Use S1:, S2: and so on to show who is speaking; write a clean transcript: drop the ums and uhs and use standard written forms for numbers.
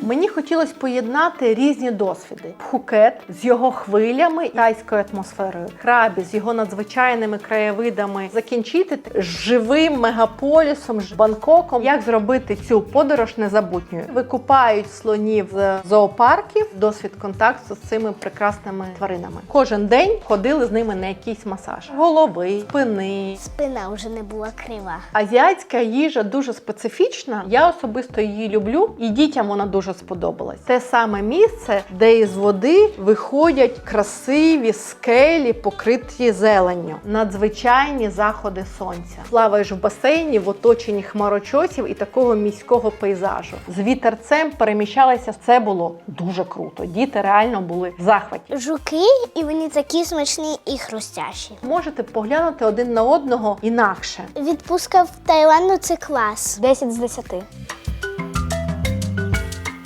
S1: Мені хотілося поєднати різні досвіди. Пхукет з його хвилями, тайською атмосферою, Крабі з його надзвичайними краєвидами, закінчити живим мегаполісом, Бангкоком. Як зробити цю подорож незабутньою? Викупають слонів з зоопарків, досвід контакту з цими прекрасними тваринами. Кожен день ходили з ними на якийсь масаж. Голови, спини.
S2: Спина вже не була крива.
S1: Азіатська їжа дуже специфічна. Я особисто її люблю, і дітям вона дуже сподобалась. Те саме місце, де із води виходять красиві скелі, покриті зеленню. Надзвичайні заходи сонця. Плаваєш в басейні в оточенні хмарочосів і такого міського пейзажу. З вітерцем переміщалися. Це було дуже круто. Діти реально були в захваті.
S2: Жуки, і вони такі смачні і хрустящі.
S1: Можете поглянути один на одного інакше.
S2: Відпустка в Таїланду – це клас.
S3: 10 з 10.